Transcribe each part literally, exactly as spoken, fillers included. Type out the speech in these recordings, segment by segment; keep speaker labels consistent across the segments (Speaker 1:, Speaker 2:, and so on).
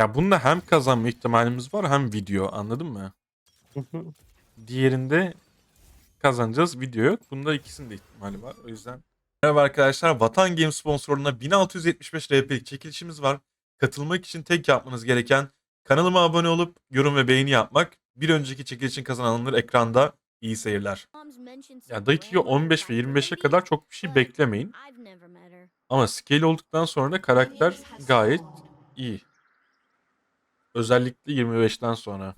Speaker 1: Ya bunda hem kazanma ihtimalimiz var hem video, anladın mı? Diğerinde kazanacağız, video yok. Bunda ikisinin de ihtimali var. O yüzden. Merhaba arkadaşlar. Vatan Game sponsorluğunda bin altı yüz yetmiş beş R P'lik çekilişimiz var. Katılmak için tek yapmanız gereken kanalıma abone olup yorum ve beğeni yapmak. Bir önceki çekilişin kazananları ekranda. İyi seyirler. Ya dakika on beş ve yirmi beşe kadar çok bir şey beklemeyin. Ama scale olduktan sonra da karakter gayet iyi. Özellikle yirmi beşten sonra.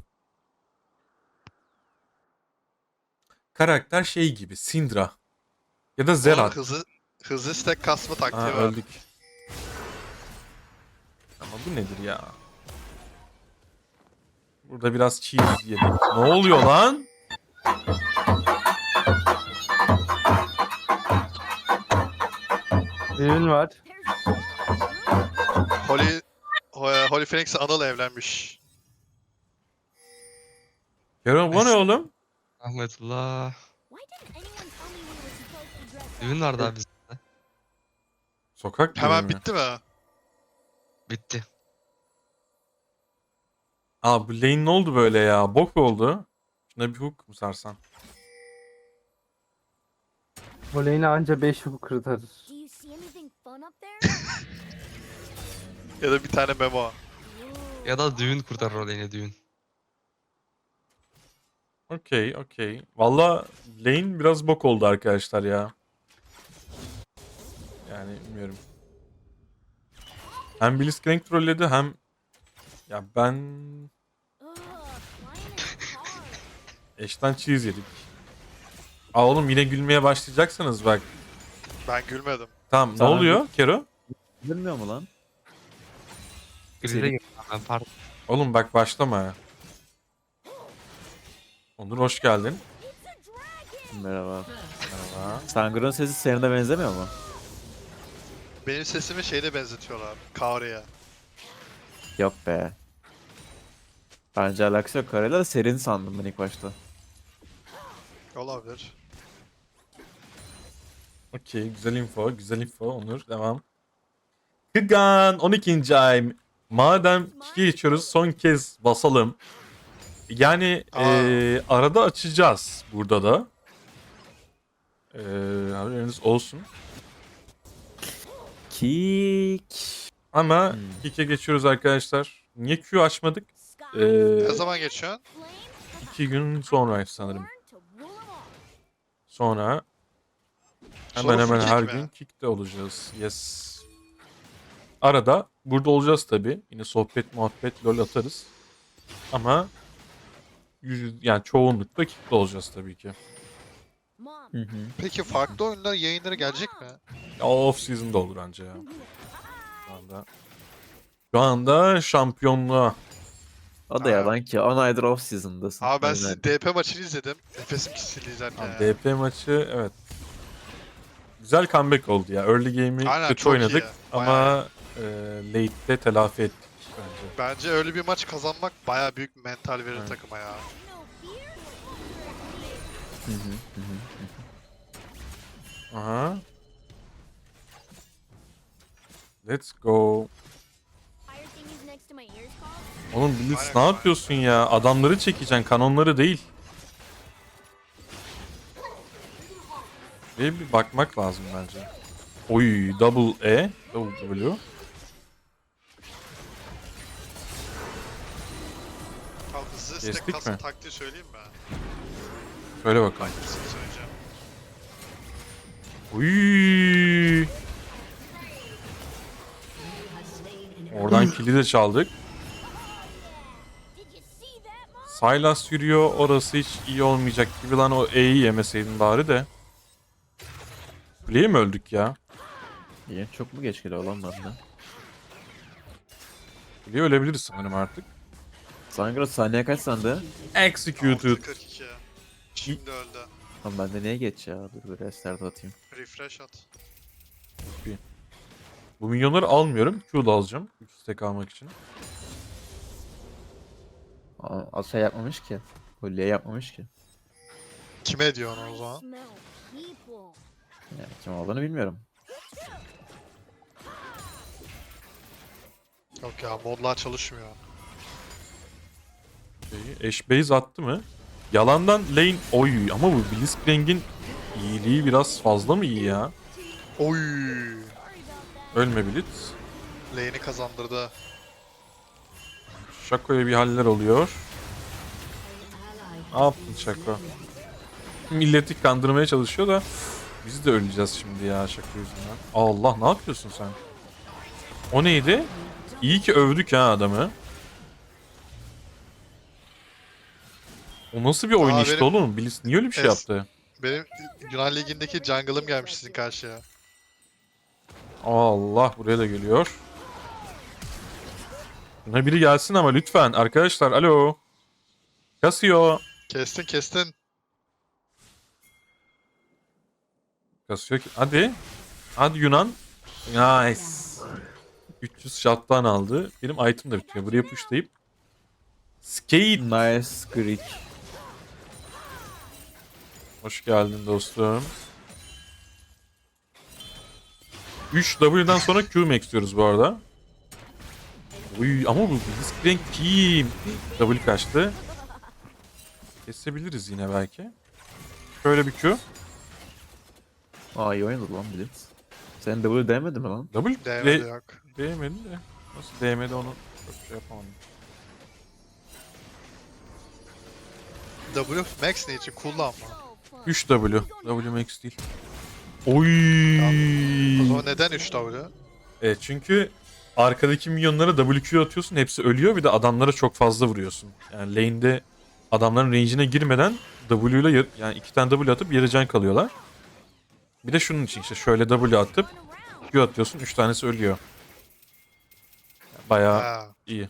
Speaker 1: Karakter şey gibi, Syndra ya da
Speaker 2: Bunun
Speaker 1: Zerat.
Speaker 2: hızlı hızlı stack kasma
Speaker 1: Aa,
Speaker 2: taktiği var.
Speaker 1: öldük. Ama bu nedir ya? Burada biraz cheese yedik. Ne oluyor lan?
Speaker 3: Düğün var.
Speaker 2: Holy Ho- Holy Phoenix Anıl evlenmiş.
Speaker 1: Kerem bu ne oğlum?
Speaker 4: Rahmetullah. Düğün vardı abi bizde.
Speaker 1: Sokak düğünü
Speaker 2: Hemen
Speaker 1: mü?
Speaker 2: bitti mi?
Speaker 4: Bitti.
Speaker 1: Aa bu lane ne oldu böyle ya? Bok oldu. Şuna bir hook mu sarsan?
Speaker 3: Voley'ine anca beş hook kurtarır.
Speaker 2: Ya da bir tane memo.
Speaker 4: Ya da düğün kurtarır o lane'i düğün.
Speaker 1: Okey okey. Valla lane biraz bok oldu arkadaşlar ya. Yani bilmiyorum. Hem Blitzcrank trolledi hem... Ya ben... Eşten cheese yedik. Aa oğlum yine gülmeye başlayacaksınız bak.
Speaker 2: Ben gülmedim.
Speaker 1: Tamam ne
Speaker 5: Sana
Speaker 1: oluyor Kero?
Speaker 5: Bilmiyor mu lan?
Speaker 4: Grize
Speaker 5: Seri-
Speaker 4: girdim ben pardon.
Speaker 1: Oğlum bak başlama ya. Onur hoş geldin.
Speaker 5: Merhaba.
Speaker 1: Merhaba.
Speaker 5: Sangur'un sesi senin de benzemiyor mu?
Speaker 2: Benim sesimi şeyle benzetiyorlar. Kaori'ye.
Speaker 5: Yok be. Bence alakası yok. Karayla da serin sandım ben ilk başta.
Speaker 2: Olabilir.
Speaker 1: Okey güzel info güzel info Onur devam. Kıgan on ikinci ay. Madem iki geçiyoruz son kez basalım. Yani
Speaker 2: Aa.
Speaker 1: eee, arada açacağız burada da. Eee haberiniz olsun.
Speaker 5: Kick.
Speaker 1: Ama
Speaker 5: Hmm.
Speaker 1: ikiye geçiyoruz arkadaşlar. Niye Q açmadık? Eee
Speaker 2: Ne zaman geçiyorsun?
Speaker 1: iki gün sonra sanırım. Sonra hemen
Speaker 2: Sonra full
Speaker 1: hemen her
Speaker 2: kick mi?
Speaker 1: gün kick'te olacağız. Yes. Arada burada olacağız tabi. Yine sohbet muhabbet lol atarız. Ama yüz, yani çoğunlukla kick'te olacağız tabii ki.
Speaker 5: Hı hı.
Speaker 2: Peki farklı oyunlar yayınları gelecek mi?
Speaker 1: Ya, off season'da olur anca ya. Şu anda. Şu anda şampiyonluğa.
Speaker 5: O da
Speaker 2: Ha.
Speaker 5: yalan ki. on aydır off season'dasın.
Speaker 2: Abi ben
Speaker 5: Aynen.
Speaker 2: sizin D P maçını izledim. Nefesim kesildi izlerken
Speaker 1: Abi,
Speaker 2: ya.
Speaker 1: D P maçı evet. Güzel comeback oldu ya. Early game'i
Speaker 2: Aynen,
Speaker 1: kötü
Speaker 2: çok
Speaker 1: oynadık.
Speaker 2: iyi.
Speaker 1: Ama e, late'de telafi ettik bence.
Speaker 2: Bence öyle bir maç kazanmak baya büyük mental verir
Speaker 1: Evet.
Speaker 2: takıma ya.
Speaker 5: Hı hı, hı hı.
Speaker 1: Aha. Let's go. Oğlum Blitz
Speaker 2: Aynen.
Speaker 1: ne yapıyorsun ya? Adamları çekeceksin, kanonları değil. Ve bir bakmak lazım bence. Oy, double E, double W.
Speaker 2: Tamam, hızlı
Speaker 1: Kestik
Speaker 2: stack kasma
Speaker 1: mi?
Speaker 2: taktiği söyleyeyim mi?
Speaker 1: Şöyle bakalım.
Speaker 2: Hangisini söyleyeceğim?
Speaker 1: Uy. Oradan kili de çaldık. Sylas yürüyor. Orası hiç iyi olmayacak gibi lan, o E'yi yemeseydin bari de. Kuleye mi öldük ya?
Speaker 5: İyi. Çok mu geç geliyor lan bende?
Speaker 1: Kuleye ölebiliriz sanırım artık.
Speaker 5: Sangur saniye kaç sende?
Speaker 1: Executed.
Speaker 2: altı kırk iki. Şimdi öldü.
Speaker 5: Lan bende niye geç ya? Dur bir restart atayım.
Speaker 2: Refresh at.
Speaker 1: Bu milyonları almıyorum. Q'da alacağım. üç stack almak için.
Speaker 5: Aa, az şey yapmamış ki. Kolye yapmamış ki.
Speaker 2: Kime diyor onu o zaman?
Speaker 5: Yani kim olduğunu bilmiyorum.
Speaker 2: Yok ya modlar çalışmıyor.
Speaker 1: Şeyi, Ashe base attı mı? Yalandan lane oy ama bu Blitzcrank'in iyiliği biraz fazla mı iyi ya?
Speaker 2: Oy.
Speaker 1: Ölme Blitz.
Speaker 2: Lane'i kazandırdı.
Speaker 1: Shaco'ya bir haller oluyor. Ne yaptın Shaco? Milleti kandırmaya çalışıyor da biz de öleceğiz şimdi ya Shaco yüzünden. Allah ne yapıyorsun sen? O neydi? İyi ki övdük ha adamı. O nasıl bir oyun
Speaker 2: Aa,
Speaker 1: işte
Speaker 2: benim-
Speaker 1: oğlum? Blitz niye öyle bir şey
Speaker 2: Es-
Speaker 1: yaptı?
Speaker 2: Benim Yunan Ligi'ndeki jungle'ım gelmiş sizin karşıya.
Speaker 1: Allah buraya da geliyor. Buna biri gelsin ama lütfen arkadaşlar alo. Kasıyor.
Speaker 2: Kestin kestin.
Speaker 1: Kasıyor ki. Hadi. Hadi Yunan. Nice. üç yüz shot'tan aldı. Benim item da bitiyor. Buraya pushlayıp. Skate.
Speaker 5: Nice Greek.
Speaker 1: Hoş geldin dostum. üç W'den sonra Q max diyoruz bu arada. Uy ama bu Blitzcrank kim? W kaçtı. Kesebiliriz yine belki. Şöyle bir Q.
Speaker 5: Aa iyi oynadı lan Blitz. Sen W değmedi mi lan?
Speaker 1: W
Speaker 2: Değmedi
Speaker 1: de-
Speaker 2: yok.
Speaker 1: değmedi de. Nasıl değmedi onu çok şey yapamadım.
Speaker 2: W max ne için kullanma.
Speaker 1: üç W. W max değil. Oy.
Speaker 2: O zaman neden üç W?
Speaker 1: Evet çünkü arkadaki minyonlara W Q atıyorsun hepsi ölüyor bir de adamlara çok fazla vuruyorsun. Yani lane'de adamların range'ine girmeden W ile yar- yani iki tane W atıp yarı can kalıyorlar. Bir de şunun için işte şöyle W atıp Q atıyorsun üç tanesi ölüyor. Bayağı
Speaker 2: Ha.
Speaker 1: iyi.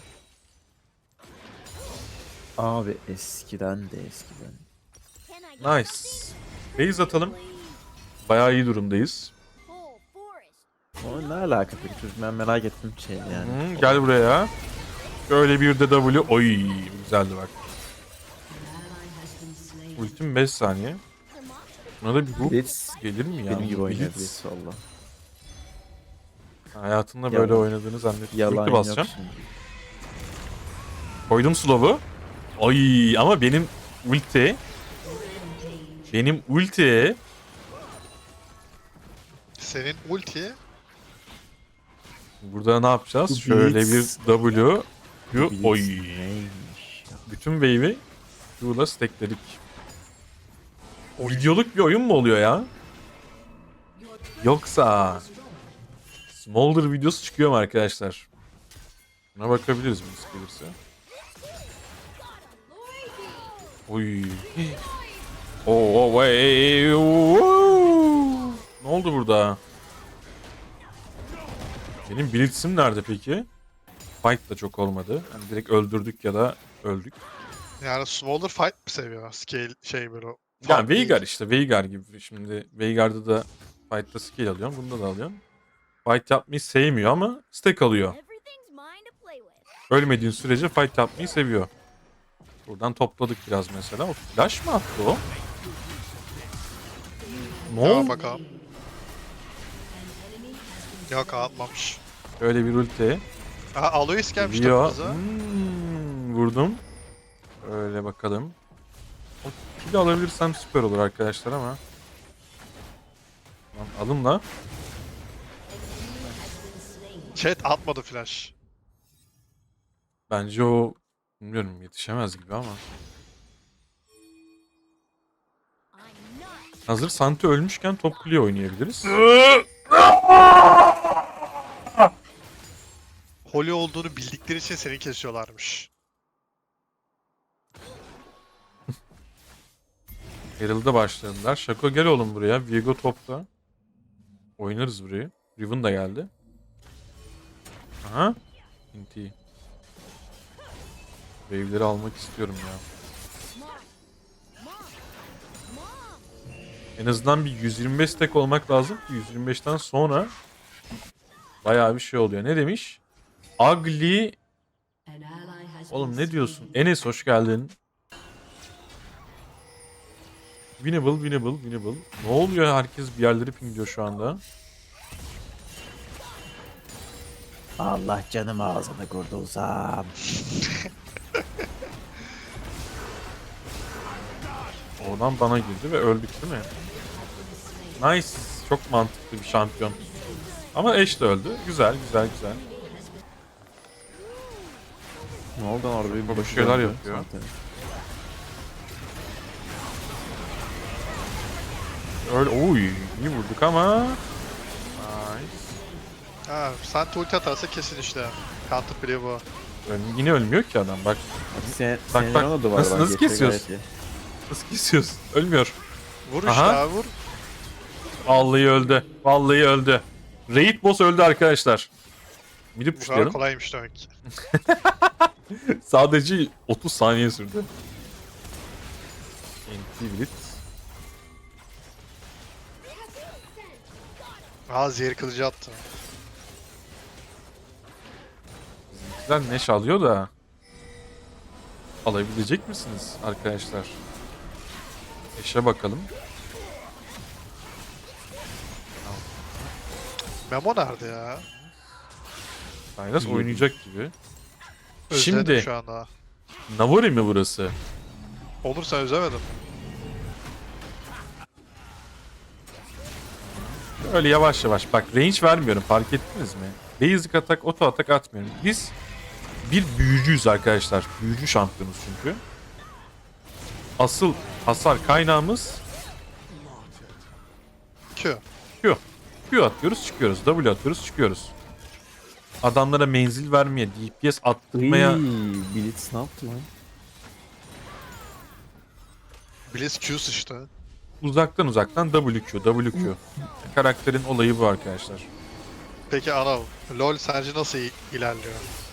Speaker 5: Abi eskiden de eskiden.
Speaker 1: Nice. Base atalım. Bayağı iyi durumdayız.
Speaker 5: O ne alaka peki çocuk, ben merak ettim şey yani.
Speaker 1: Hı, gel buraya. Şöyle bir de W. Oy güzeldi bak. Ultim beş saniye. Buna da bir hook
Speaker 5: Blitz
Speaker 1: gelir mi ya?
Speaker 5: benim gibi oynuyor
Speaker 1: Blitz.
Speaker 5: Blitz valla.
Speaker 1: Hayatında
Speaker 5: Yalan.
Speaker 1: böyle oynadığını zannettim.
Speaker 5: Yalan
Speaker 1: Ulti
Speaker 5: yok
Speaker 1: basacağım.
Speaker 5: şimdi.
Speaker 1: Koydum slow'u. Ay ama benim ulti. Benim ulti.
Speaker 2: Senin ulti
Speaker 1: Burada ne yapacağız?
Speaker 5: Bu
Speaker 1: Şöyle bir
Speaker 5: Blitz.
Speaker 1: W. Q.
Speaker 5: Blitz
Speaker 1: Oy.
Speaker 5: neymiş ya?
Speaker 1: Bütün wave'i Q'la stackledik. Videoluk bir oyun mu oluyor ya? Yoksa Smolder videosu çıkıyor mu arkadaşlar? Buna bakabiliriz bu gelirse. Oy. Oo, oh, hey, oo. Ne oldu burada? Benim Blitz'im nerede peki? Fight da çok olmadı. Yani direkt öldürdük ya da öldük.
Speaker 2: yani Smolder fight mi seviyor? Scale şey böyle.
Speaker 1: Yani
Speaker 2: Fight değil.
Speaker 1: Veigar işte Veigar gibi. Şimdi Veigar'da da fight'ta skill alıyorum. Bunda da alıyorum. Fight yapmayı sevmiyor ama stack alıyor. Ölmediğin sürece fight yapmayı seviyor. Buradan topladık biraz mesela. O flash mı attı o? Ne
Speaker 2: Tamam
Speaker 1: oldu?
Speaker 2: bakalım. Yok atmamış.
Speaker 1: Böyle bir ulti.
Speaker 2: Aha Aloys gelmiş
Speaker 1: Geliyor.
Speaker 2: takımıza.
Speaker 1: Hmm, vurdum. Öyle bakalım. O kill'i alabilirsem süper olur arkadaşlar ama. Lan alın la.
Speaker 2: Chat atmadı flash.
Speaker 1: Bence o bilmiyorum yetişemez gibi ama. Hazır Santi ölmüşken top kuleye oynayabiliriz.
Speaker 2: Holy olduğunu bildikleri için seni kesiyorlarmış.
Speaker 1: Herald'a başladılar. Shaco gel oğlum buraya. Viego topta. Oynarız burayı. Riven da geldi. Aha. Inti. Wave'leri almak istiyorum ya. En azından bir yüz yirmi beş stack olmak lazım ki yüz yirmi beşten sonra bayağı bir şey oluyor. Ne demiş? Ugly. Oğlum ne diyorsun? Enes hoş geldin. Winnable, winnable, winnable. Ne oluyor? Herkes bir yerleri pingliyor şu anda.
Speaker 5: Allah canım ağzını kurtulsam.
Speaker 1: Oradan bana girdi ve öldük değil mi? Nice. Çok mantıklı bir şampiyon. Ama Ashe de öldü. Güzel güzel güzel.
Speaker 5: Ne oldu lan orada bir
Speaker 1: Bir
Speaker 5: başı
Speaker 1: şeyler
Speaker 5: döndü
Speaker 1: yapıyor.
Speaker 5: zaten.
Speaker 1: Öyle oy iyi vurduk ama. Nice.
Speaker 2: Ha, sen ulti atarsa kesin işte. Counter play bu.
Speaker 1: Öyle- yine ölmüyor ki adam bak.
Speaker 5: Sen,
Speaker 1: Bak,
Speaker 5: senin
Speaker 1: bak.
Speaker 5: ona duvar
Speaker 1: Nasıl-
Speaker 5: var,
Speaker 1: nasıl
Speaker 5: geçiyor
Speaker 1: kesiyorsun?
Speaker 5: gayet iyi.
Speaker 1: Nasıl kesiyorsun? Ölmüyor.
Speaker 2: Vur işte
Speaker 1: Aha.
Speaker 2: abi vur.
Speaker 1: Vallahi öldü. Vallahi öldü. Raid boss öldü arkadaşlar. Mid'i
Speaker 2: Bu kadar
Speaker 1: pushlayalım.
Speaker 2: kolaymış demek ki.
Speaker 1: Sadece otuz saniye sürdü. Anti Blitz.
Speaker 2: Aa zehir kılıcı attı.
Speaker 1: Bizimkiler neş alıyor da. Alabilecek misiniz arkadaşlar? Eşe bakalım.
Speaker 2: Memo nerede ya?
Speaker 1: Saylas
Speaker 5: İyi.
Speaker 1: oynayacak gibi.
Speaker 2: Özledim
Speaker 1: Şimdi
Speaker 2: şu anda.
Speaker 1: Navori mi burası?
Speaker 2: Olur sen özlemedin.
Speaker 1: Öyle yavaş yavaş. Bak range vermiyorum fark ettiniz mi? Basic atak, auto atak atmıyorum. Biz bir büyücüyüz arkadaşlar. Büyücü şampiyonuz çünkü. Asıl hasar kaynağımız
Speaker 2: Q.
Speaker 1: Q. Q atıyoruz çıkıyoruz. W atıyoruz çıkıyoruz. Adamlara menzil vermeye, D P S attırmaya
Speaker 5: Iiii, Blitz ne yaptı lan?
Speaker 2: Blitz Q sıçtı.
Speaker 1: uzaktan uzaktan W Q, W Q. Karakterin olayı bu arkadaşlar.
Speaker 2: Peki Anıl, LoL sence nasıl i- ilerliyor?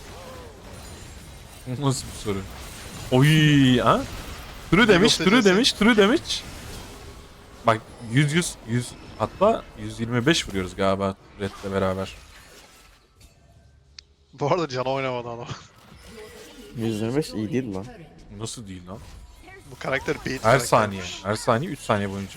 Speaker 1: Nasıl bir soru? Oy ha? True demiş,
Speaker 2: League of
Speaker 1: true
Speaker 2: Legends'in-
Speaker 1: demiş, true demiş. Bak yüz yüz yüz hatta yüz yirmi beş vuruyoruz galiba Red'le beraber.
Speaker 2: Bu arada Can oynamadı adam.
Speaker 5: yüz yirmi beş iyi değil lan.
Speaker 1: Nasıl değil lan?
Speaker 2: Bu karakter beat
Speaker 1: Her saniye.
Speaker 2: karaktermiş.
Speaker 1: Her saniye üç saniye boyunca.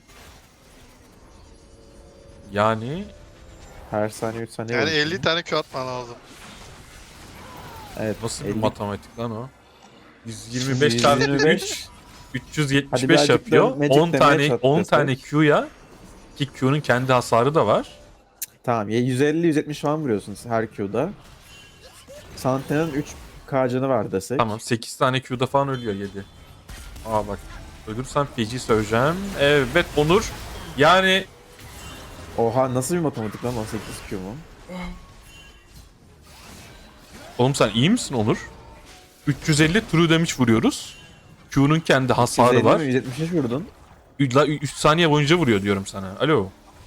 Speaker 1: Yani
Speaker 5: Her saniye üç saniye.
Speaker 2: Yani
Speaker 5: olmuş
Speaker 2: elli
Speaker 5: mu?
Speaker 2: tane Q atman lazım.
Speaker 5: Evet.
Speaker 1: nasıl bir
Speaker 5: elli
Speaker 1: matematik lan o? yüz yirmi beş çarpı
Speaker 5: yüz yirmi beş.
Speaker 1: üç üç yüz yetmiş
Speaker 5: Hadi
Speaker 1: beş
Speaker 5: birazcık da
Speaker 1: yapıyor.
Speaker 5: Magic
Speaker 1: on
Speaker 5: demeye
Speaker 1: tane
Speaker 5: çarp
Speaker 1: on
Speaker 5: desek.
Speaker 1: tane Q'ya ki Q'nun kendi hasarı da var.
Speaker 5: Tamam ya yüz elli yüz yetmiş falan vuruyorsunuz her Q'da. Santena'nın üç K canı var desek.
Speaker 1: Tamam sekiz tane Q'da falan ölüyor yedi. Aa bak ölürsem feci söyleyeceğim. Evet Onur. Yani
Speaker 5: Oha nasıl bir matematik lan on sekiz Q mu?
Speaker 1: oğlum sen iyi misin Onur? üç yüz elli true damage vuruyoruz. Q'nun kendi hasarı var.
Speaker 5: yüz yetmiş beş vurdun.
Speaker 1: üç saniye boyunca vuruyor diyorum sana. Alo.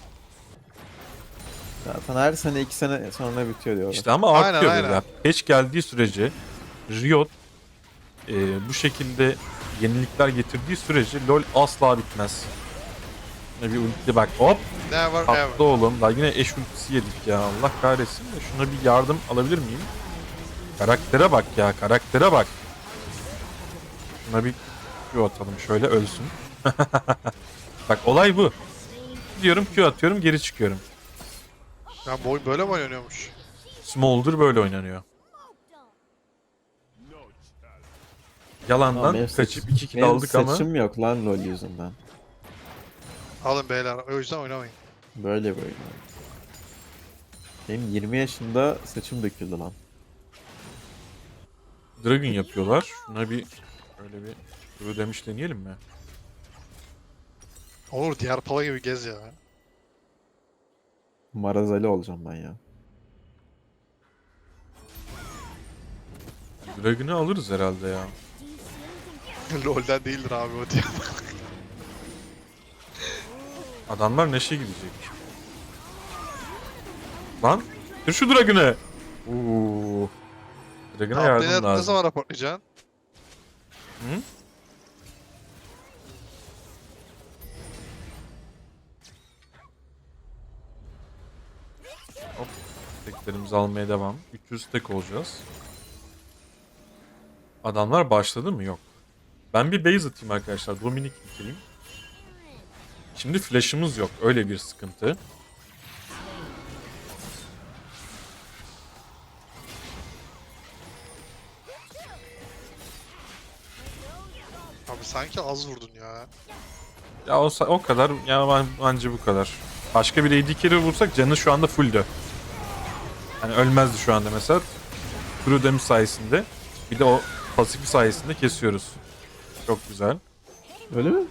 Speaker 5: Zaten her sene iki sene sonra bitiyor diyorlar.
Speaker 1: İşte ama
Speaker 2: Aynen,
Speaker 1: artıyor
Speaker 2: aynen.
Speaker 1: böyle. Patch geldiği sürece Riot e, bu şekilde yenilikler getirdiği sürece LoL asla bitmez. Ne bir ulti bak hop
Speaker 2: Never ever.
Speaker 1: tatlı oğlum. Daha yine eş ultisi yedik ya. Allah kahretsin de şuna bir yardım alabilir miyim? Karaktere bak ya karaktere bak. Şuna bir Q atalım şöyle ölsün. Bak olay bu. Diyorum Q atıyorum geri çıkıyorum.
Speaker 2: Ya bu oyun böyle mi oynanıyormuş?
Speaker 1: Smolder böyle oynanıyor. Yalandan
Speaker 5: benim
Speaker 1: kaçıp
Speaker 5: saç-
Speaker 1: iki kill
Speaker 5: Benim
Speaker 1: aldık ama
Speaker 5: saçım yok lan LoL yüzünden.
Speaker 2: Alın beyler, o yüzden oynamayın.
Speaker 5: Böyle böyle. Benim yirmi yaşında saçım döküldü lan.
Speaker 1: Dragon yapıyorlar. Şuna bir öyle bir böyle demiş deneyelim mi?
Speaker 2: Olur diğer pala gibi gez ya.
Speaker 5: Marazali olacağım ben ya.
Speaker 1: Dragon'ı alırız herhalde ya.
Speaker 2: LoL'den değildir abi o diye.
Speaker 1: Adamlar neşe gidecek. Lan dur şu Dragon'ı. Uuu. Dragon'a
Speaker 2: Update'e
Speaker 1: yardım
Speaker 2: ne
Speaker 1: lazım.
Speaker 2: zaman raporlayacaksın?
Speaker 1: Hı? Hop. Teklerimizi almaya devam. üç yüz tek olacağız. Adamlar başladı mı? Yok. Ben bir base atayım arkadaşlar. Dominik bitireyim. Şimdi flash'ımız yok. Öyle bir sıkıntı.
Speaker 2: Abi sanki az vurdun ya.
Speaker 1: Ya o, sa- o kadar ya ben, bence bu kadar. Başka bir A D carry vursak canı şu anda fulldü. Hani ölmezdi şu anda mesela. True damage sayesinde. Bir de o pasifi sayesinde kesiyoruz. Çok güzel.
Speaker 5: Öyle mi?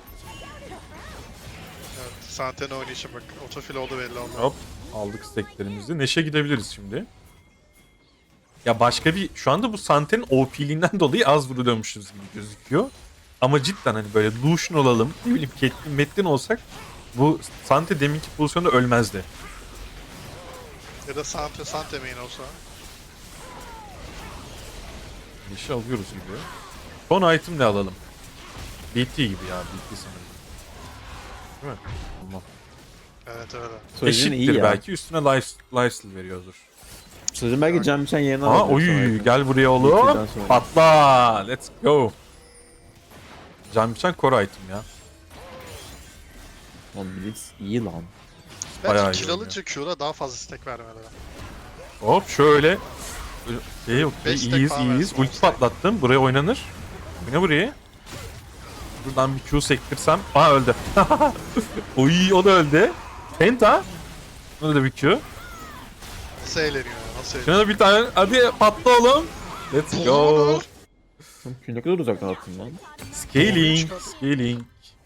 Speaker 2: Evet. Santen oynayışım bak. Otofil oldu belli oldu.
Speaker 1: Hop aldık stacklerimizi. Neşe gidebiliriz şimdi. Ya başka bir şu anda bu Sante'nin O P'liğinden dolayı az vuruyormuşuz gibi gözüküyor. Ama cidden hani böyle Lucian olalım, ne bileyim Caitlyn, Metin olsak bu Sante deminki pozisyonda ölmezdi.
Speaker 2: Ya da Sante Sante main olsa.
Speaker 1: Neşe alıyoruz gibi. Son item ne alalım? B T gibi ya, B T sanırım. Değil mi? Tamam.
Speaker 2: Evet öyle.
Speaker 5: Sojin iyi
Speaker 1: Eşittir
Speaker 5: ya.
Speaker 1: belki, üstüne life, lifesteal veriyordur.
Speaker 5: Sojin belki Can Biçen yerine
Speaker 1: Aa
Speaker 5: alabilir
Speaker 1: oy
Speaker 5: sonraki.
Speaker 1: gel buraya
Speaker 5: B
Speaker 1: oğlum.
Speaker 5: T'den sonra.
Speaker 1: Patla. Let's go. Can biçen core item ya.
Speaker 5: Oğlum Blitz iyi lan.
Speaker 1: Bayağı
Speaker 2: Bence
Speaker 1: iyi
Speaker 2: kill
Speaker 1: oynuyor.
Speaker 2: alınca Q'da daha fazla stack vermeleri.
Speaker 1: Hop şöyle. Şey okey,
Speaker 2: Beş tek
Speaker 1: iyiyiz
Speaker 2: falan
Speaker 1: iyiyiz.
Speaker 2: versin,
Speaker 1: Ulti
Speaker 2: on stack.
Speaker 1: patlattım. Buraya oynanır. Bu ne buraya? Buradan bir Q sektirsem. Aa öldü. Oy o da öldü. Penta. Buna da bir Q.
Speaker 2: Nasıl eğleniyor ya? Nasıl eğleniyor?
Speaker 1: Şuna da bir tane. Hadi patla oğlum. Let's go.
Speaker 2: Olur.
Speaker 5: Oğlum ne kadar uzaktan attın lan.
Speaker 1: Scaling. Scaling.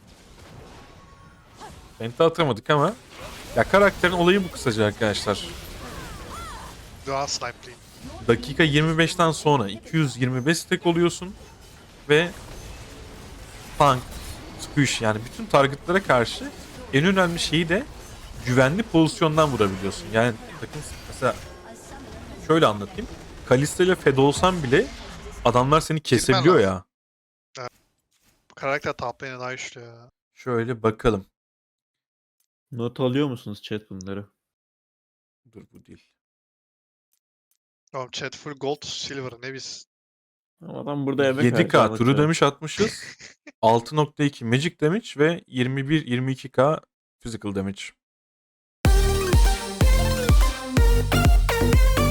Speaker 1: Penta atamadık ama. Ya karakterin olayı bu kısaca arkadaşlar.
Speaker 2: Dua snipe'liyim.
Speaker 1: Dakika yirmi beşten sonra iki yüz yirmi beş stack oluyorsun ve tank, squish yani bütün targetlara karşı en önemli şeyi de güvenli pozisyondan vurabiliyorsun. Yani takım mesela şöyle anlatayım. Kalista ile Fed olsan bile adamlar seni kesebiliyor ya.
Speaker 2: Bu karakter top lane'e daha güçlü ya.
Speaker 1: Şöyle bakalım.
Speaker 5: Not alıyor musunuz chat bunları?
Speaker 1: Dur bu değil.
Speaker 2: Oğlum chat full gold, silver ne biz.
Speaker 5: Ama adam burada emek
Speaker 1: yedi
Speaker 5: verdi,
Speaker 1: K
Speaker 5: anlatıyor.
Speaker 1: true damage atmışız. altı nokta iki magic damage ve yirmi bir yirmi iki K physical damage.